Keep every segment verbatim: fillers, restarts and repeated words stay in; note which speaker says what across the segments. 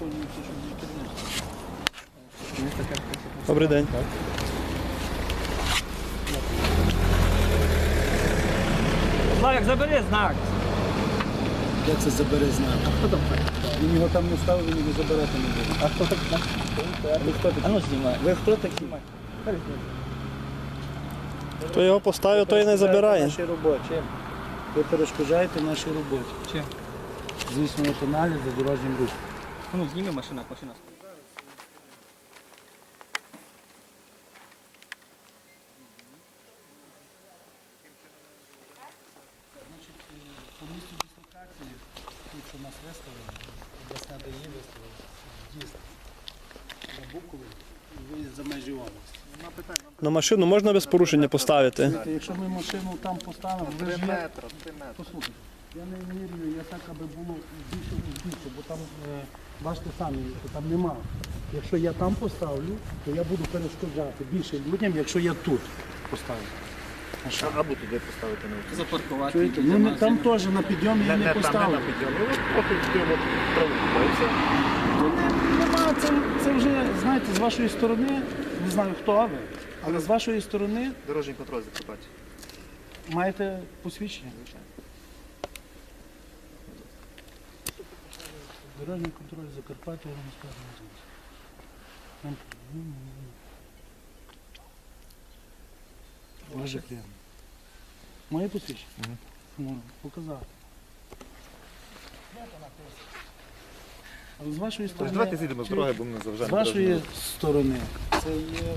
Speaker 1: виконується, щоб не керівництво.
Speaker 2: Добрий день.
Speaker 3: Славик, забери знак.
Speaker 1: Де це забере знак?
Speaker 3: А хто там так?
Speaker 1: Він його там не ставив, він його забирати не буде.
Speaker 3: А хто так?
Speaker 1: Ви хто такі?
Speaker 3: А ну знімай.
Speaker 1: Ви хто такі?
Speaker 2: Хто його поставив, той і не забирає.
Speaker 1: Нашій роботі. Ви перешкоджаєте нашій роботі.
Speaker 3: Чим?
Speaker 1: Здійснюєте аналіз за дорожнім рухом.
Speaker 3: А ну зніми машина, машина.
Speaker 1: По місту дислокації, тут що нас виставили, обласна ДАІ виставила, в'їзд за Букову і виїзд за межі області.
Speaker 2: На машину можна без порушення поставити?
Speaker 1: Знаєте, якщо ми машину там поставимо, ви ж є... Послухайте, я не вірю, я так, аби було більше більше, бо там, е, бачите самі, там нема. Якщо я там поставлю, то я буду перешкоджати більше людям, якщо я тут поставлю.
Speaker 4: Або туди поставити на вулицю.
Speaker 3: Запаркувати.
Speaker 1: Чуєте? Ну, не- там теж на підйомі я не поставлю.
Speaker 4: підйомі. Ось поки йдемо траву.
Speaker 1: То не- нема, це, це вже, знаєте, з вашої сторони, не знаю хто ви, але з вашої сторони
Speaker 4: Дорожній контроль Закарпаття.
Speaker 1: маєте посвідчення. Дорожній контроль Закарпаття, я вам скажу. Нам- Дуже приємно. Моє посвідчення? Можу показати. Але з вашої
Speaker 4: Тож
Speaker 1: сторони,
Speaker 4: давайте зійдемо з дороги, бо ми
Speaker 1: з
Speaker 4: завжди.
Speaker 1: вашої сторони, це є...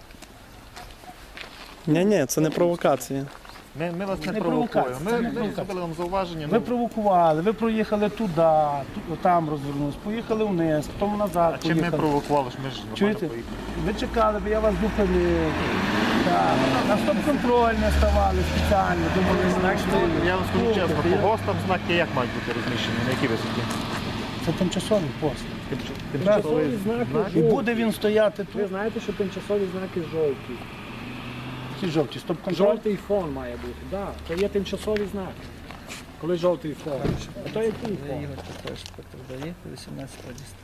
Speaker 2: Ні, ні, це не провокація.
Speaker 4: Ми, ми вас не,
Speaker 1: Не
Speaker 4: провокуємо.
Speaker 1: провокація,
Speaker 4: Ми,
Speaker 1: це не
Speaker 4: ми
Speaker 1: провокація.
Speaker 4: зробили вам зауваження.
Speaker 1: Ви
Speaker 4: ну,
Speaker 1: провокували, ви проїхали туди, ту- там розвернулись, поїхали вниз, потім назад
Speaker 4: А чим ми
Speaker 1: поїхали.
Speaker 4: провокували, ж ми ж нормально
Speaker 1: Чуєте?
Speaker 4: поїхали.
Speaker 1: Ви чекали, бо я вас зупинив. Так. На стоп-контроль не ставали спеціально, думали, знайшли.
Speaker 4: Я вам скажу чесно,
Speaker 1: Слухайте,
Speaker 4: по ГОСТам знаки як мають бути розміщені, на якій висоті?
Speaker 1: Це тимчасовий пост.
Speaker 4: Тимчасовий знак.
Speaker 1: І буде він стояти
Speaker 5: Ви
Speaker 1: тут.
Speaker 5: знаєте, що тимчасові знаки жовті.
Speaker 1: Ці жовті, стоп-контроль.
Speaker 5: Жовтий фон має бути, так. Да. Це є тимчасові знаки. Коли жовтий фон. А то який фон?
Speaker 3: Ігор також передає, вісімнадцять радіст.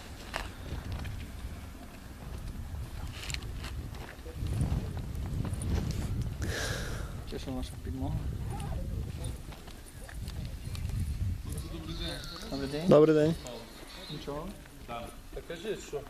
Speaker 3: Це що наша підмога? Добрий день.
Speaker 2: Добрий день.
Speaker 3: Нічого?
Speaker 6: Та кажіть, що?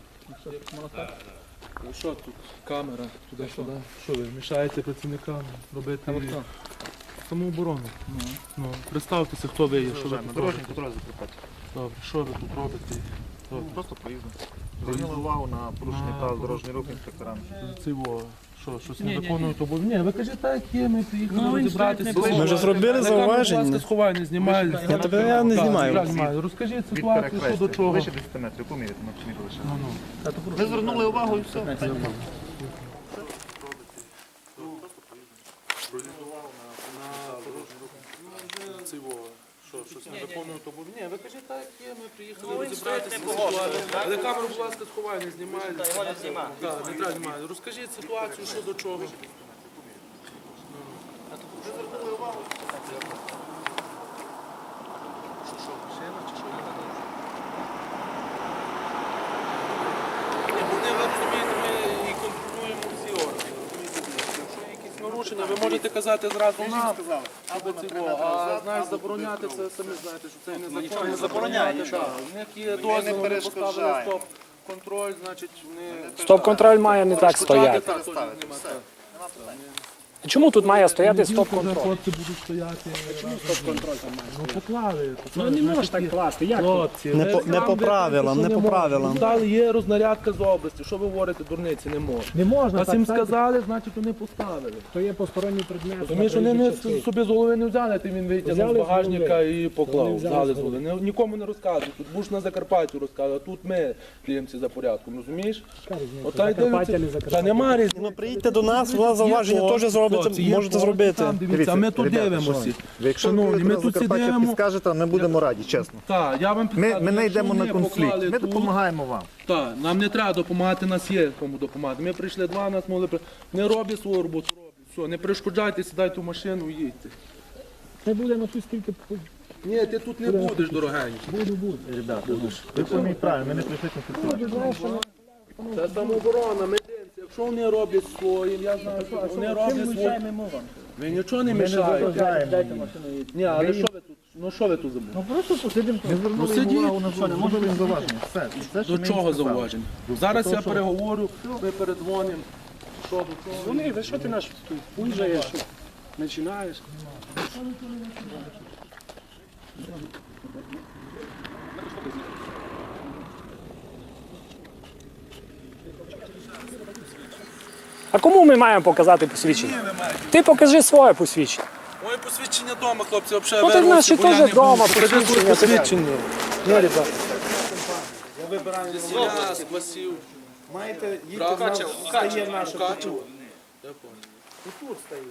Speaker 6: Ну що тут? Камера, туди-сюди. Що ви, мішаєте працівникам робити
Speaker 3: А ви хто?
Speaker 6: самооборону? Ну, представтеся, хто ви є, що ви
Speaker 4: Вважаємо,
Speaker 6: тут
Speaker 4: Дорожній
Speaker 6: робите.
Speaker 4: контроль Закарпаття.
Speaker 6: Добре, що ви тут робите? Добре.
Speaker 4: Просто проїзно. Звернули увагу на порушення
Speaker 6: А,
Speaker 4: правил дорожнього руху інспекторам.
Speaker 6: Це во, що, щось
Speaker 3: Ні,
Speaker 6: не
Speaker 3: ні, ні.
Speaker 6: виконують обов'язки? Ні, ви кажіть, так є, ми приїхали
Speaker 3: Ну, він
Speaker 6: розібратися.
Speaker 3: стоїть, не
Speaker 2: Ми вже зробили
Speaker 6: На камеру, будь
Speaker 2: зауваження.
Speaker 6: ласка, сховай, не знімай.
Speaker 2: Я тебе я не
Speaker 6: Так,
Speaker 2: знімаю.
Speaker 6: не знімаю. Розкажіть
Speaker 4: Від
Speaker 6: ситуацію, що до
Speaker 4: перехрестя.
Speaker 6: чого.
Speaker 4: Вище десяти метрів, поміряти, ми поміряли лише.
Speaker 6: Ну, ну.
Speaker 4: Ми звернули увагу і все.
Speaker 6: Це во, що, щось не виконують обов'язки? Ні, ви кажіть, так є, ми приїхали розібратися з ситуацією. Але камеру, будь ласка, сховай, не знімай.
Speaker 3: Його не знімай.
Speaker 6: Так, не треба знімати. Розкажіть ситуацію, що до чого. Ні, бо не ви розумієте, ми і контролюємо всі органи. розумієте? Якщо є якісь нарушення, ви можете казати зразу нам, або цього, а знаєш, забороняти це, самі знаєте, що це незаконно.
Speaker 3: не забороняє,
Speaker 6: Так, у них є дозвіл, вони поставили стоп. Контроль, значить, вони...
Speaker 5: Стоп-контроль має не так стояти.
Speaker 6: Так, так, нема, так.
Speaker 5: Чому тут має стояти стоп-контроль?
Speaker 6: Хлопці будуть стояти.
Speaker 5: Чому стоп-контроль там має?
Speaker 6: Ну, поклали.
Speaker 5: Ну не можеш так класти. Як тут?
Speaker 6: Хлопці,
Speaker 2: Не
Speaker 6: ви
Speaker 2: по- не
Speaker 6: сам
Speaker 2: по
Speaker 6: ви
Speaker 2: правилам,
Speaker 6: кажете,
Speaker 2: не
Speaker 6: що
Speaker 2: по
Speaker 6: можна.
Speaker 2: правилам.
Speaker 6: Дали, є рознарядка з області. Що ви говорите, дурниці, не можна.
Speaker 5: Не можна
Speaker 6: Вас
Speaker 5: так
Speaker 6: їм
Speaker 5: ставити.
Speaker 6: сказали, значить вони поставили.
Speaker 5: То є посторонній предмет.
Speaker 6: Тому що вони не собі з голови не взяли, ти він витягнув
Speaker 5: Взяли
Speaker 6: з
Speaker 5: з
Speaker 6: багажника
Speaker 5: голови.
Speaker 6: і
Speaker 5: Вони
Speaker 6: поклав.
Speaker 5: взяли
Speaker 6: Взяли
Speaker 5: з
Speaker 6: з голови. Не- Нікому не розказують. Тут будеш на Закарпатті розказувати, а тут ми кліємці за порядком, розумієш? Ота й
Speaker 5: Закарпаття, не
Speaker 6: дивиться.
Speaker 5: Закарпаття.
Speaker 6: Та нема різниці.
Speaker 2: Ну приїдьте до нас, у вас зауваження
Speaker 6: Є
Speaker 2: теж зробите,
Speaker 6: хлопці, є
Speaker 2: можете
Speaker 6: хлопці,
Speaker 2: зробити.
Speaker 6: там дивіться, а ми тут
Speaker 4: ребята,
Speaker 6: дивимося.
Speaker 4: шановні, Якщо
Speaker 6: Шановні,
Speaker 4: ви
Speaker 6: ми
Speaker 4: на
Speaker 6: тут
Speaker 4: Закарпаття
Speaker 6: сидимо.
Speaker 4: підскажете, ми будемо раді, чесно.
Speaker 6: Так, я вам
Speaker 4: Ми,
Speaker 6: підказую,
Speaker 4: ми не
Speaker 6: якщо
Speaker 4: йдемо на
Speaker 6: вони
Speaker 4: конфлікт,
Speaker 6: поклали
Speaker 4: ми
Speaker 6: тут,
Speaker 4: допомагаємо вам.
Speaker 6: Так, нам не треба допомагати, нас є кому допомагати. Ми прийшли два, нас могли при... Не роблять свою роботу, роблять. Все, не перешкоджайте, сідайте в машину і їдьте.
Speaker 5: Це буде на ту скільки
Speaker 6: Ні, ти тут не будеш, дорогенький.
Speaker 4: Ви пойміть правильно, ми не прийшли конфліктувати.
Speaker 6: Це самооборона, мединці. Якщо вони роблять своїм, я знаю, що вони роблять своїм. Ви нічого не мішаєте. Ні, але що ви тут? Ну що ви тут забули?
Speaker 4: Ну просто посидимо. Ми звернули
Speaker 6: сидіть.
Speaker 4: увагу на зону, можемо їм зауваження. Все. Все, що
Speaker 6: До
Speaker 4: ми
Speaker 6: чого
Speaker 4: їм сказали.
Speaker 6: зауваження? Зараз я переговорю, ми передзвонимо. Що до чого?
Speaker 5: Вони, ви що ти наш тут пульжаєш, починаєш? А кому ми маємо показати посвідчення? Ти покажи своє посвідчення.
Speaker 6: Моє посвідчення вдома, хлопці, взагалі
Speaker 5: Ну так
Speaker 6: вирвуться,
Speaker 5: наші
Speaker 6: бо я
Speaker 5: теж
Speaker 6: не
Speaker 5: вдома
Speaker 6: буду. Покажи своє
Speaker 5: посвідчення.
Speaker 6: посвідчення.
Speaker 5: Ні, ребята.
Speaker 6: Я спасів.
Speaker 1: Маєте їдьте
Speaker 6: Правда?
Speaker 1: стає наше
Speaker 6: Качу.
Speaker 1: тут стає.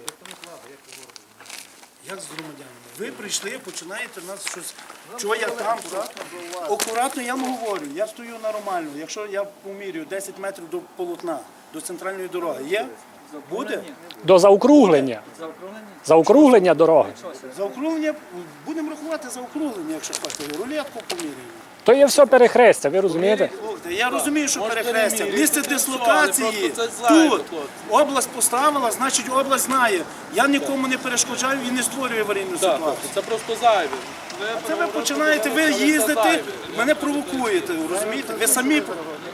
Speaker 1: Як з громадянами? Ви прийшли, починаєте нас щось. Чого я там? Акуратно я вам говорю, я стою нормально. Якщо я помірюю десять метрів до полотна, до центральної дороги, є? Буде?
Speaker 5: До заокруглення. Заокруглення дороги.
Speaker 1: Заокруглення, будемо рахувати заокруглення, якщо хочете. Рулетку поміряємо.
Speaker 5: То є все перехрестя, ви розумієте?
Speaker 1: Слухайте, я розумію, що
Speaker 6: Можете
Speaker 1: перехрестя.
Speaker 6: переміряти.
Speaker 1: Місце дислокації
Speaker 6: Просто це зайве,
Speaker 1: тут.
Speaker 6: хлопці.
Speaker 1: Область поставила, значить область знає. Я нікому не перешкоджаю і не створюю аварійну
Speaker 6: Так,
Speaker 1: ситуацію.
Speaker 6: хлопці, це просто зайве.
Speaker 1: Це ви починаєте, ви їздите, мене провокуєте, розумієте? Ви самі.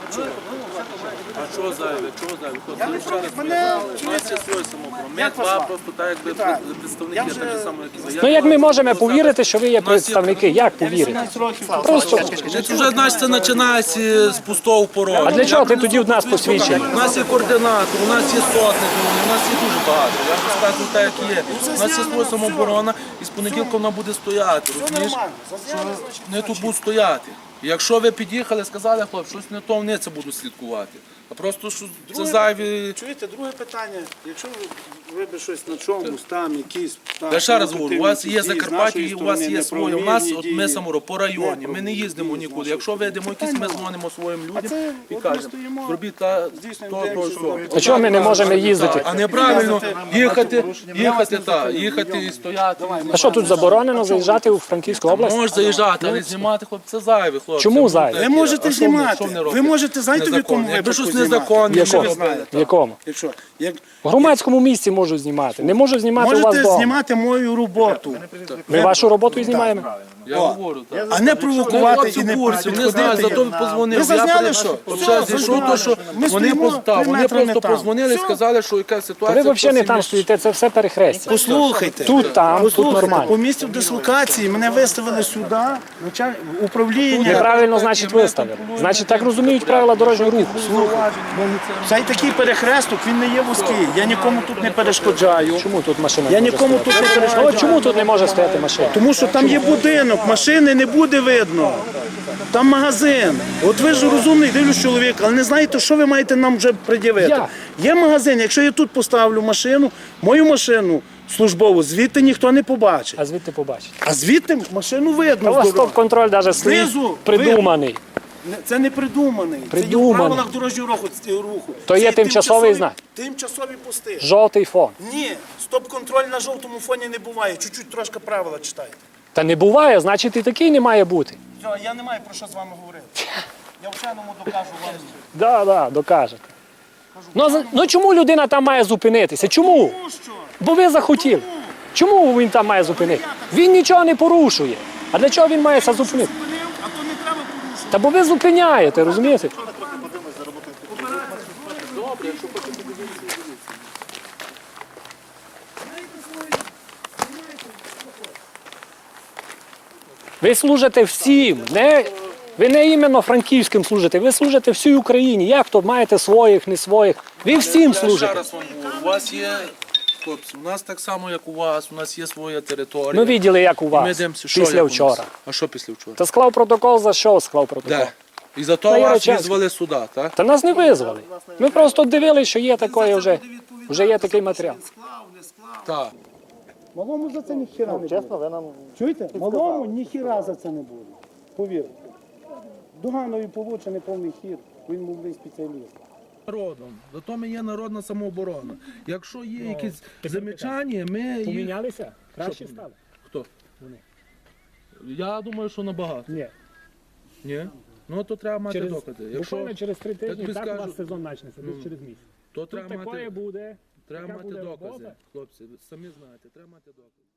Speaker 6: А чого зайве? Чого зайве? Хлопці,
Speaker 1: Я не
Speaker 6: ще раз
Speaker 1: проти, мене
Speaker 6: У нас є своє самооборона. Ми
Speaker 1: Як вас
Speaker 6: два
Speaker 1: звати?
Speaker 6: просто так, якби
Speaker 1: Віталій.
Speaker 6: представники,
Speaker 1: Я вже-
Speaker 6: так же само, як і ви.
Speaker 5: Ну як ми можемо повірити, що ви є представники? Як повірити? Просто.
Speaker 6: Це вже, значить, це починається з пустого порогу.
Speaker 5: А для чого ти тоді в нас посвідчення?
Speaker 6: У нас є координатор, у нас є сотники, у нас є дуже багато. Я вам розказую так, як є. У нас є своя самооборона, і з понеділка вона буде стояти.
Speaker 1: Все
Speaker 6: Розумієш?
Speaker 1: нормально. Зазняли, значить,
Speaker 6: Вони тут будуть стояти. Якщо ви під'їхали, сказали, хлоп, щось не то, вони це будуть слідкувати. А просто що це
Speaker 1: Друге-
Speaker 6: зайві.
Speaker 1: Чуєте, друге питання. Якщо ви, ви би щось на чомусь там, якісь там,
Speaker 6: Я ще раз говорю, у вас є
Speaker 1: дії з
Speaker 6: Закарпаття,
Speaker 1: нашої
Speaker 6: і у вас
Speaker 1: сторони,
Speaker 6: є своє. У нас,
Speaker 1: неправомірні
Speaker 6: от ми
Speaker 1: дії.
Speaker 6: саморо по районі, ми не їздимо
Speaker 1: дії з
Speaker 6: нікуди.
Speaker 1: нашої
Speaker 6: Якщо вийдемо якісь, ми
Speaker 1: Питань
Speaker 6: дзвонимо своїм
Speaker 1: А
Speaker 6: людям
Speaker 1: це
Speaker 6: і
Speaker 1: от ми
Speaker 6: кажемо,
Speaker 1: стоїмо,
Speaker 6: зробіть та
Speaker 1: здійснюємо
Speaker 6: то, то,
Speaker 1: деякі
Speaker 6: що.
Speaker 5: А чого ми не можемо їздити?
Speaker 6: А неправильно їхати, їхати, та, їхати і стояти.
Speaker 5: А що тут заборонено заїжджати у Франківську область?
Speaker 6: Можеш заїжджати, але знімати, хлопці, це зайве, хлопці.
Speaker 5: Чому
Speaker 6: Ну,
Speaker 5: зайве?
Speaker 6: таке.
Speaker 1: Ви можете
Speaker 6: А що вони-
Speaker 1: знімати.
Speaker 6: що вони
Speaker 1: Ви
Speaker 6: роблять?
Speaker 1: можете, знаєте, в якому
Speaker 6: Незаконне. Якби
Speaker 1: випадку
Speaker 6: щось
Speaker 1: знімати?
Speaker 6: незаконне,
Speaker 5: В якому?
Speaker 6: ви знаєте.
Speaker 5: В якому?
Speaker 1: Якщо, як,
Speaker 5: В громадському місці можу знімати. Не можу знімати у вас
Speaker 1: можете
Speaker 5: вдома.
Speaker 1: знімати мою роботу,
Speaker 5: Ми вашу роботу і знімаємо.
Speaker 6: Я говорю, так.
Speaker 1: а не провокувати
Speaker 6: Хлопці
Speaker 1: і
Speaker 6: в
Speaker 1: не
Speaker 6: курсі, вони знають, зато
Speaker 1: підходити.
Speaker 6: позвонив.
Speaker 1: Ви зазняли,
Speaker 6: Я
Speaker 1: що?
Speaker 6: перед-
Speaker 1: Все,
Speaker 6: От зайшов, то, що
Speaker 1: Ми
Speaker 6: вони
Speaker 1: стоїмо
Speaker 6: просто,
Speaker 1: три
Speaker 6: вони
Speaker 1: метри не
Speaker 6: просто
Speaker 1: там.
Speaker 6: позвонили і
Speaker 1: Все.
Speaker 6: сказали, що яка
Speaker 5: Ви
Speaker 6: ситуація.
Speaker 5: взагалі не
Speaker 6: хтось
Speaker 5: там
Speaker 6: їм-
Speaker 5: стоїте, це все перехрестя.
Speaker 1: Послухайте.
Speaker 5: Тут, там, тут
Speaker 1: Послухайте,
Speaker 5: нормально.
Speaker 1: по місцю дислокації мене виставили сюди, началь... управління.
Speaker 5: Неправильно, значить, виставили. Значить, так розуміють правила дорожнього руху.
Speaker 1: Цей такий перехресток, він не є вузький. Я нікому тут не перешкоджаю.
Speaker 5: Чому тут машина?
Speaker 1: Я
Speaker 5: не може
Speaker 1: нікому
Speaker 5: стояти?
Speaker 1: тут не
Speaker 5: Ну,
Speaker 1: перешкоджаю.
Speaker 5: от чому тут не може стояти машина?
Speaker 1: Тому що там є будинок, машини не буде видно. Там магазин. От ви ж розумний, дивлюсь чоловік, але не знаєте, що ви маєте нам вже пред'явити.
Speaker 5: Я.
Speaker 1: Є магазин, якщо я тут поставлю машину, мою машину службову, звідти ніхто не побачить.
Speaker 5: А звідти побачить.
Speaker 1: А звідти машину
Speaker 5: Та у
Speaker 1: видно.
Speaker 5: вас
Speaker 1: з дороги.
Speaker 5: стоп-контроль навіть
Speaker 1: Знизу
Speaker 5: стоїть придуманий.
Speaker 1: Не- Це не придуманий. Це є в
Speaker 5: Придуманий.
Speaker 1: правилах дорожнього руху. руху.
Speaker 5: То
Speaker 1: Це
Speaker 5: є тимчасовий знак.
Speaker 1: Тимчасові пости.
Speaker 5: Жовтий фон.
Speaker 1: Ні, стоп-контроль на жовтому фоні не буває. Чуть-чуть трошки правила читайте.
Speaker 5: Та не буває, значить і такий не має бути.
Speaker 1: Все, я не маю про що з вами говорити. Я вченому докажу вам.
Speaker 5: Да, да, докажете. Ну, за- ну чому людина там має зупинитися? Чому?
Speaker 1: Ну що?
Speaker 5: Бо ви захотіли. Чому він там має зупинитися? Він нічого не порушує. А для чого він має це зупинити?
Speaker 1: Зупинив, а то не треба порушувати.
Speaker 5: Та бо ви зупиняєте, розумієте? Ви служите всім, не, ви не іменно франківським служите, ви служите всій Україні. Як то маєте своїх, не своїх? Ви всім
Speaker 6: Я ще
Speaker 5: служите.
Speaker 6: раз вам говорю, у вас є, хлопці, у нас так само, як у вас, у нас є своя територія.
Speaker 5: Ми бачили, як у
Speaker 6: Ми
Speaker 5: вас
Speaker 6: дивимося, що
Speaker 5: після
Speaker 6: як у нас.
Speaker 5: вчора.
Speaker 6: А що після вчора?
Speaker 5: Та склав протокол за що склав протокол?
Speaker 6: Де? І за то
Speaker 5: На
Speaker 6: вас
Speaker 5: Яричанську.
Speaker 6: визвали сюди, так?
Speaker 5: Та нас не визвали. Ми просто дивилися, що є такое вже, вже є такий матеріал.
Speaker 6: Так.
Speaker 1: Малому за це ніхіра не буде.
Speaker 4: Чесно, ви нам
Speaker 1: Чуєте? Малому ніхіра за це не буде. Повірте. Дуганові получений повний хід, він мовний спеціаліст.
Speaker 6: Народом. Зато ми є народна самооборона. Якщо є якісь замічання, ми їх...
Speaker 5: Помінялися? Краще стали.
Speaker 6: Хто? Я думаю, що набагато.
Speaker 5: Ні.
Speaker 6: Ні? Ну то треба мати
Speaker 5: Через,
Speaker 6: докази.
Speaker 5: буквально
Speaker 6: Якщо,
Speaker 5: через три тижні
Speaker 6: тобі
Speaker 5: так у
Speaker 6: скажу,
Speaker 5: вас сезон почнеться, десь
Speaker 6: ну,
Speaker 5: через місяць.
Speaker 6: то
Speaker 5: Тут
Speaker 6: треба
Speaker 5: такое
Speaker 6: мати,
Speaker 5: буде.
Speaker 6: треба
Speaker 5: така
Speaker 6: мати
Speaker 5: буде
Speaker 6: докази.
Speaker 5: робота.
Speaker 6: Хлопці, ви самі знаєте, треба мати докази.